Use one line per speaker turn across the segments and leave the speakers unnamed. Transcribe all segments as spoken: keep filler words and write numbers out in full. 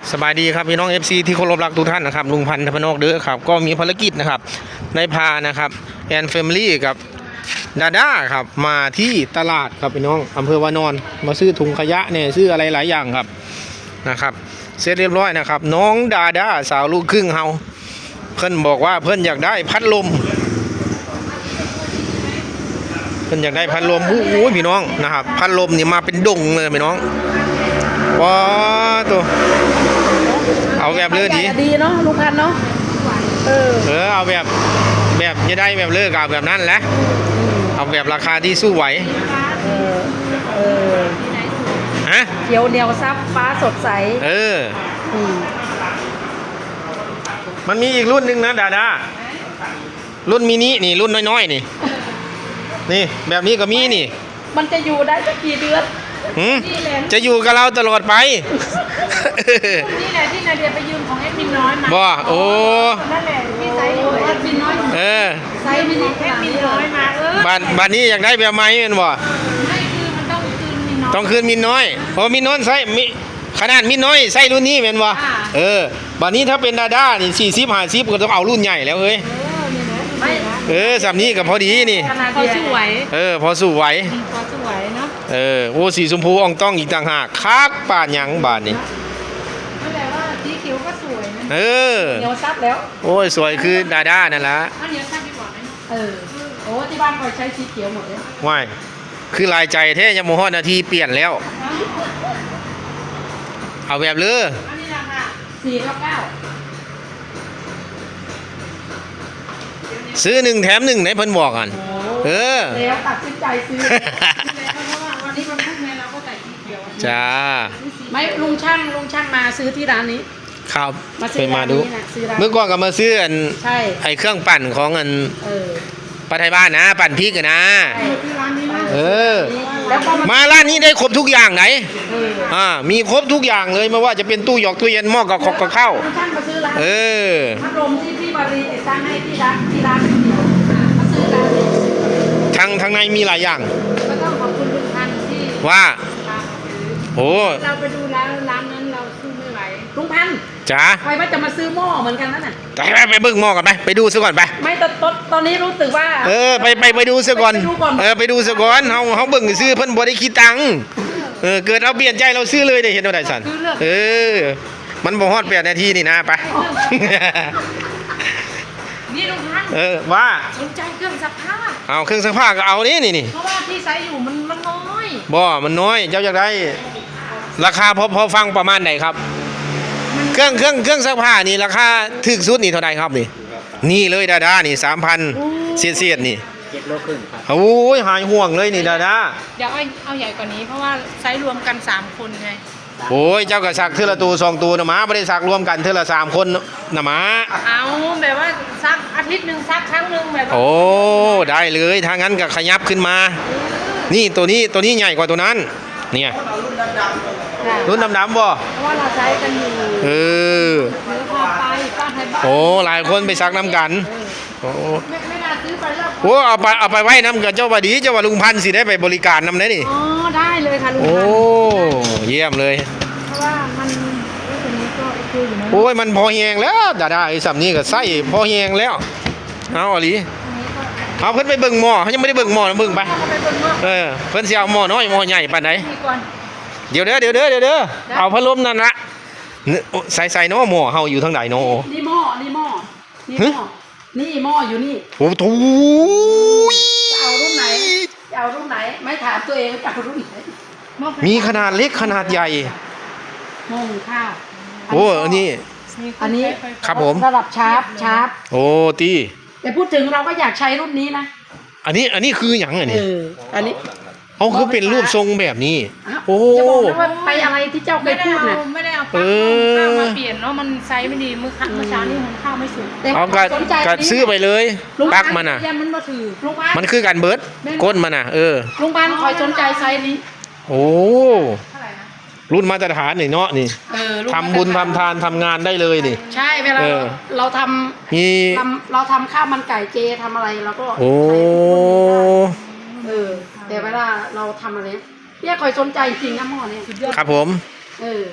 สบายดีครับพี่น้อง เอฟ ซี ที่เคารพรักทุกท่านนะครับลุงพันธ์ธพนกเด้อครับก็มีภารกิจนะครับได้พานะครับแอนแฟมิลี่กับดาด้าครับมาที่ตลาดครับพี่น้องอำเภอวานอนมาซื้อถุงขยะเนี่ยซื้ออะไรหลายอย่างครับนะครับเสร็จเรียบร้อยนะครับน้องดาด้าสาวลูกครึ่งเฮาเพิ่นบอกว่าเพิ่นอยากได้พัดลมเพิ่นอยากได้พัดลมโอ้โหพี่น้องนะครับพัดลมนี่มาเป็นดงเลยพี่น้องว้าตัวเอาแบบเลือดี
ดีเนาะลุงพันเนาะเออ
เออเอาแบบแบบจะได้แบบเลือกเอาแบบนั้นแหละเอาแบบราคาที่สู้ไหว
เออเออ
ฮะ
เขียวเหนียวซับฟ้าสดใส
เออมันมีอีกรุ่นหนึ่งนะดาดารุ่นมินินี่รุ่นน้อยๆนี่นี่แบบนี้ก็มีนี่
มันจะอยู่ได้สักกี่เดือน
จะอยู่กับเราตลอดไป
นี่แหละที่นาเดียไปยืมของเอ็ดมินน้อยมา
บ่โอ้
นั่นแหละที่ไซส์เอ็ดมินน้อย
เออ
ไซส์มินิเอ็ดมินน้อยมาเออ
บ้านบ้านนี้อยากได้แบบไหมเป็นบ่
ไม่คือมันต้องคืนมินน้อย
ต้องคืนมินน้อยโอ้มินน้อยไซส์มิขนาดมินน้อยไซส์รุ่นนี้เป็นบ่เออบ้านนี้ถ้าเป็นดาด้านี่สี่สิบห้าสิบก็ต้องเอารุ่นใหญ่แล้วเฮ้ยเออสามนี้กับพอดีนี่
พอสู้ไหว
เออพอสู้ไหว
พอสู้ไหวเนาะ
เออโอ้สีชมพูอ่องต้องอีกต่างหากคักป่านยังบาทนี่
นั่นแหละว่าสีเขียวก็สวยนะ
เออ
เดี๋ยวซับแล้ว
โอ้ยสวยคือดาด้านั่นละ
เดี๋ยวซับดีกว่าไหมเออโอ้ที่บ้านคอยใช้สีเขียวหมดเลย
ว่ายคือลายใจแท้ยังโมโหนาทีเปลี่ยนแล้วเอาแบบเลือ
อันนี้ราคาสี่เก้าเก้า
ซื้อหนึ่งแถมหนึ่งไหนเพิ่นบอกกันเออ
แล้วตัดสินใจซื้อเพราะว่าวันนี้มันพูดไงเราก็ใส่สีเขียว
จ้า
ไม่ลุงช่างลุงช่างมาซื้อที่ร้านนี้
ครับ
มาซื้อ
มาดูเมื่อก่อนก็มาซื้ออันไอเครื่องปั่นของอันป้าไทยบ้านนะปั่นพริกกันนะเออมาร้านนี้ได้ครบทุกอย่างไหนอ่ามีครบทุกอย่างเลยไม่ว่าจะเป็นตู้หยอกตู้เย็นหม้อกับกับข้าวเออ
พัดลมที่พี่บารีติดตั้งให้ที่ร้านที่ร้านมาซื้อร้าน
ทางทางในมีหลายอย่าง
ก็ต้องขอบคุณลุงพันธ์ที่
ว่าโอ้
เราไปดูร้านร้านนั้นเราซื้อไม่ไหวลุงพันธ์
จ๋า
ใครว่าจะมาซื้อหม้อเหมือนกันนั่นน่ะ
ไปไปเบิ่งหม้อกันไปไปดูซะก่อนไป
ไม่ตอนตอนนี้รู้สึกว่า
เออไปไปไปดูซะก่อนเออไปดูซะก่อนเฮาเฮาเบิ่งซื้อเพิ่นบ่ได้คิดตังค์เออเกิดเราเปลี่ยนใจเราซื้อเลยได้เห็นบ่ได้สั่นเออมันบ่ฮอดแปดนาทีนี่นะไป
นี่ลุงพันธ์
เออว่า
สนใจเครื่องซักผ้า
เอาเครื่องซักผ้าก็เอานี่นี่นี่
เพราะว่าที่ไซส์อยู่มันมันน้อย
บ่มันน้อยเจ้าอยากได้ราคาพอพอฟังประมาณไหนครับเครื่องเครื่องเครื่องซักผ้านี่ราคาถึกสุดนี่เท่าไหร่ครับนี่นี่เลยดาดานี่สามพันเสียดเสียดนี่
เจ็ดโลครึ่งครับ
โอ้ยหายห่วงเลยนี่ดาดา
เดี๋ยวเอาเอาใหญ่กว่านี้เพราะว่าไซส์รวมกันสามคนไง
โอ้ยเจ้าก็ซักเท่าละตัวสองตัวนะมาไม่ได้ซักรวมกันเท่าละสามคนนะมา
เอาแบบว่าซักอาทิตย์หนึ่งซักครั้งหนึ่งแบบ
โอ้ได้เลยถ้างั้นก็ขยับขึ้นมานี่ตัวนี้ตัวนี้ใหญ่กว่าตัวนั้นเนี่ยรุ่นดำๆบ่
เพราะว่าเราใช้กันอยู่
เออโอ้หลายคนไปซักน้ำกันโอ้
ไม่น่าซื้อไปแล้ว
โอ้เอาไปเอาไปไว้น้ำกับเจ้าบดีเจ้าว่าลุงพันธ์สิได้ไปบริการน้ำได้นี่
อ๋อได้เลยค่ะลุงพันธ์
โอ้เยี่ยมเลย
เพราะว่ามันตัวนี้ก็คืออยู่นะ
โอ้ยมันพอแหงแล้วดาดาไอ้สับนี้ก็ใส่พอแหงแล้วเอาอลีเอาเพิ่นไปเบิ่งหม้อเขายังไม่ได้เบิ่งหม้อนะเบิ่งไปเออเพิ่นสิเอาหม้อน้อยหม้อใหญ่ปานไหนเดี๋ยวเด้อเดี๋ยวเด้อเดี๋ยวเด้อเอาพัดลมนั่นละใส่ใส่เนาะหม้อเฮาอยู่ทางไหนเนาะ
นี่หม้อนี่หม้อนี่หม้อนี่หม้ออยู่นี่
โอ้โห
จะเอารุ่นไหนจะเอารุ่นไหนไม่ถามตัวเองจะเอารุ่นไหน
มีขนาดเล็กขนาดใหญ่
หม้อข้าว
โอ้อันนี้
อันนี้
ครับผม
ระดับชาร์ปชาร์ป
โอ้ตี
แต่พูดถึงเราก็อยากใช้รุ่นนี้นะ
อันนี้อันนี้คืออย่างอันนี้
อันนี้
เขาคือเป็นรูปทรงแบบนี้โอ้
จะบอกว่าไปอะไรที่เจ้าเคยพูดน่ะ
ไม่ได้เอาปลั๊กข้าวมาเปลี่ยนเนาะมันไซส์ไม่ดีมือเมื่อเช้านี่หุงข้าวไม่สุก
เอากัดซื้อไปเลยปลั๊กมันอ่ะ
มันมาถือ
มันคือการเบิร์ดก้นมันอ่ะเออ
ลุงพันธ์คอยสนใจไซส์นี้
โอ้รุ่นมาตรฐานนี่เนาะนี่ทำบุญทำทานทำงานได้เลยนี่
ใช่เวลาเราทำมีเราทำข้าวมันไก่เจทำอะไรเราก็
โอ้
เออแต่เวลาเราทำอะไรพี่คอยสนใจจริงนะหม้อเนี่ย
ครับผม
เออ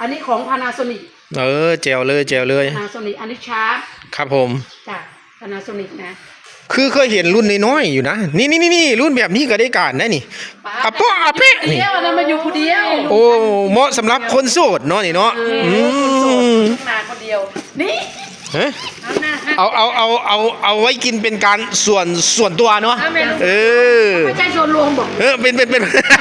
อันนี้ของ Panasonic
เออแจวเลยแจวเลย
Panasonic อันนี้ชาร์ป
ครับผม
จ้ะ Panasonic นะ
คือเคยเห็นรุ่นน้อยๆอยู่นะนี่นี่นี่รุ่นแบบนี้ก็ได้การนะนี่อะเปาะอะเป๊ะนี่
เดียวนะมาอยู่คนเดียว
โอ้เหมาะสำหรับคนโสดเนาะนี่เนาะ
เอ
อื
อคนโสด
ม
ลูกนาคนเดียว นี่
เฮ้ย
เอาหน้าห้า
เอาเอาเอาเอาเอาไว้กินเป็นการส่วนส่วนตัวเนาะ
เอาแม่ลูก
เออ
ไม่ใช่ชวนรวมบอก
เออเป็นเป็นเป็น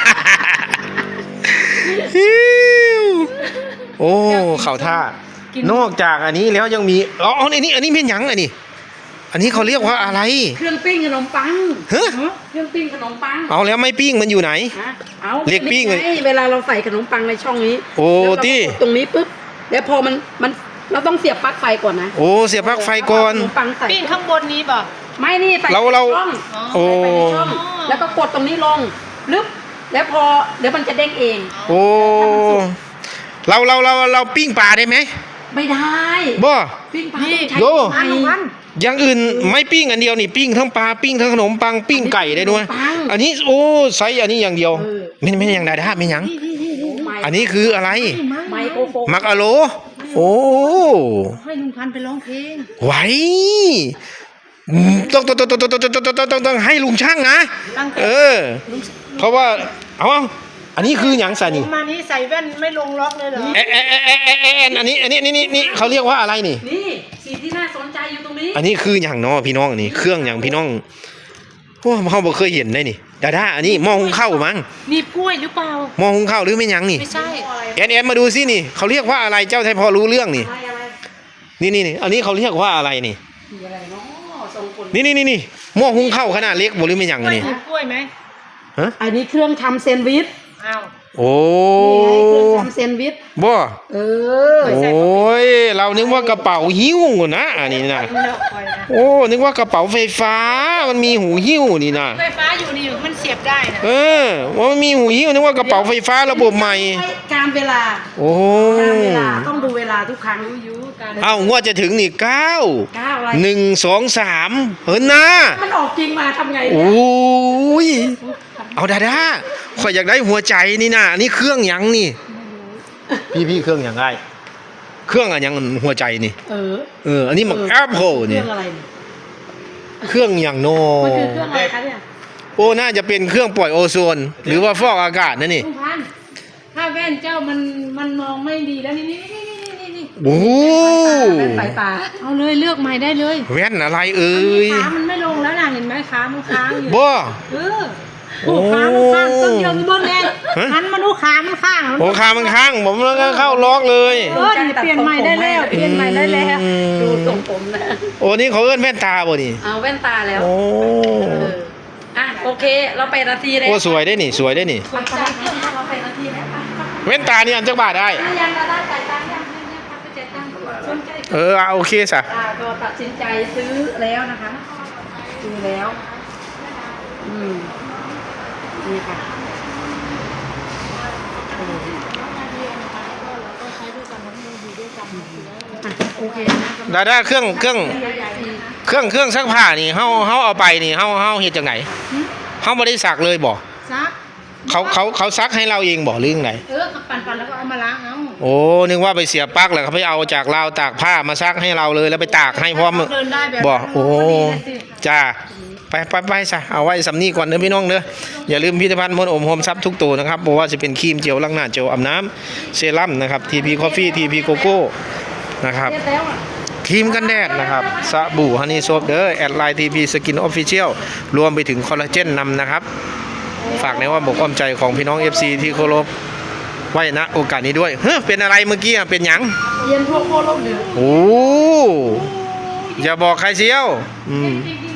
โอ้เข่าท่า นอกจากอันนี้แล้วยังมีอ๋ออันนี้อันนี้เป็นหยังอันนี้ อันนี้เขาเรียกว่าอะไร
เครื่องปิ้งขนมปัง
เฮ้ย
เครื่องปิ้งขนมปัง
เอาแล้วไม่ปิ้งมันอยู่ไหน
ฮะเอา
เรียกปิ้งเลย
ไเวลาเราใส่ขนมปังในช่องนี้
โอ้
แล้วเราก็
ตี้
กดตรงนี้ปุ๊บแล้วพอมันมันเราต้องเสียบปลั๊กไฟก่อนนะ
โอ้เสียบปลั๊กไฟก่อน
เาขนมปังใส่
ปิ้งข้างบนนี้บ่
ไม่นี่ใส่
เรา
ไปใน
เรา
ช่อง
โอ้
ใส่ไปในช่องแล้วก็กดตรงนี้ลงลึบแล้วพอเดี๋ยวมันจะเด้งเอง
โอ้เราเราเราเราปิ้งปลาได้ไหม
ไม่ได้
บ่
ปิ้งปลา
นี่
ต้องใช้
โย่
ไฟ
อย่างอื่นไม่ปิ้งอันเดียวนี่ปิ้งทั้งปลาปิ้งทั้งขนมปังปิ้งไก่ได้ด้วย
ปัง
อันนี้โอ้ไซส์อันนี้อย่างเดียว
เออ
ไม่ไม่อย่างใดได้ไม่หยัง อันนี้คืออะไร
ไมโครโฟน
มักอะโล โอ้
ให้ลุงพันธุ์ไปร้องเพลง
ไหวอืมต้องต้องต้องต้องต้องต้องต้องต้องต้องให้ลุงช่างนะ
ตั้งแต่
เออ เพราะว่าเอาเอาอันนี้คือหยังสานี่
มานี้ใส่แว่นไม่ลงล็อกเลยเหรอ
เอะเอะเอะเอะเอะเอะอันนี้อันนี้นี่นี่นี่เขาเรียกว่าอะไรนี่
นี่สิ่งที่น่าสนใจอยู่ตรงนี้
อันนี้คืออย่างเนาะพี่น้องนี่เครื่องอย่างพี่น้องโอ้เขาบอกเคยเห็นได้นี่ดาด้าอันนี้หม้อหุงข้าวมั้ง
หนีบกล้วยหรือเปล่า
หม้อหุงข้าวหรือไม่หยังนี่
ไม่ใช่
แอนแอนมาดูสินี่เขาเรียกว่าอะไรเจ้าไทยพอรู้เรื่องนี่
อะไรอะไร
นี่นี่นี่อันนี้เขาเรียกว่าอะไรนี่
มีอะไรเนาะทรงผล
นี่นี่นี่นี่หม้อหุงข้าวขนาดเล็กบ่หรือไม่หยัง
กล้
อั
วน ย
นี้
หนีบกล้วยไหม
ฮะ
อันนี้เครื่องทำแซนด์วิช
อ้าว
โอ้
นี่ไงเครื่องทำแซนด์วิช
บ่
เออ
โอ้ยเรานึกว่ากระเป๋าหิ้วนะอันนี้นะ
เลิกปล่อยนะ
โอ้นึกว่ากระเป๋าไฟฟ้ามันมีหูหิ้วนี่นะ
ไฟฟ้าอยู่นี่มันเสียบได้นะ
เออว่ามันมีหูหิ้วนึกว่ากระเป๋าไฟฟ้าระบบใหม่
การเวลา
โอ้
การเวลาต้องดูเวลาทุกครั้ง
รู้อยู่การ
เอ้างวดจะถึงนี่เก้า
เก้าอะไร
หนึ่งสองสามเฮ้ยนะ
มันออกจริงมาทำไง
โอ
เนี่ย้
ยเอาดาดาข่อยอยากได้หัวใจนี่นะนี่เครื่องหยังนี่ พี่พี่เครื่องหยังไงเครื่องอะหยังหัวใจนี่
เออ
เอออันนี้มันแอปเปิล
เค
นี่
รื่องอะไรเนี่ย
เครื่องอย่างโน
มันคือเครื่องอะไรคะเนี่ย
โอ้น่าจะเป็นเครื่องปล่อยโอโซน หรือว่าฟอกอากาศนั่นนี่
ลุงพันธุ์ถ้าแว่นเจ้ามันมันมองไม่ดีแล้วนี่นี่นี่นี่นี่นี่
โอ้
เป็นสายตา
เอาเลยเลือกใหม่ได้เลย
แว่นอะไรเอ่ย
ขามันไม่ลงแล้วนะเห็นไหมขามันค้างอยู่
บ่
เออโอ้ขามันข้างต้องเยอะมีบนแน่
ฮะ
หันมาดูขามันข้าง
โอ้ขามันข้างผมแล้วก็เข้าล็อกเลย
เออนี่เปลี่ยนใหม่ได้แล้วเปลี่ยนใหม่ได้แล้ว
อืม
ดูทรงผมนะ
โอ้นี่เขาเอิ้นแว่นตาบ่นี่
เอาแว่นตาแล้ว
โอ้
เอออ่ะโอเค เราไปนาทีเลย
โอ้สวยได้นี่สวยได้นี่
ไปจ่ายเงินเราไปนาทีแล้วไปไป
แว่นตานี่อันจักบาทได้
ไปยังเราได้จ่ายตังค์ยังยังยังพักไปจ่ายตังค์สนใจ
เออเอาโอเคสะ
อ่าก็ตัดสินใจซื้อแล้วนะคะซื้อแล้ว อืมนี่ค่ะโอ้อ่ะโอเคนะ
ดาด้าเครื่องเครื่องเครื่องเครื่องซักผ้านี่เฮาเฮาเอาไปนี่เฮาเฮาเฮ็ดจังไดเฮาบ่ได้ซักเลยบ่
ซัก
เขาเขาเขาซักให้เราเองบ่หรือจังได
เออปั่นปั่นแล้วก็เอามาล้างเอา
โอ้นึกว่าไปเสียบปลั๊กแล้วเขาไปเอาจากราวตากผ้ามาซักให้เราเลยแล้วไปตากให้พร้อม
เดินได้แบบ
บ่โอ้
พดีเลยสิ
จ้าไปไปไปซะเอาไว้สำนีก่อนเด้อพี่น้องเด้ออย่าลืมพิพิธภัณฑ์มนต์อมโฮมทรัพย์ทุกตัวนะครับบ่ว่าจะเป็นครีมเจลล้างหน้าเจลอาบน้ำเซรั่มนะครับ ที พี Coffee ที พี Coco นะครับ
เสร็จแล้วอ่ะ
ครีมกันแดดนะครับสบู่ฮันนี่โซฟเด้อแอดไลน์ ที พี Skin Official รวมไปถึงคอลลาเจนนำนะครับ ฝากในว่าบอกความใจของพี่น้อง เอฟ ซี ที่เคารพไว้ณโอกาสนี้ด้วยเฮ้ยเป็นอะไรเมื่อกี้อะเป็นหยัง
เย็นพวกโคโลกเหนือ
โอ้อย่าบอกใครเชียวอืม
จริง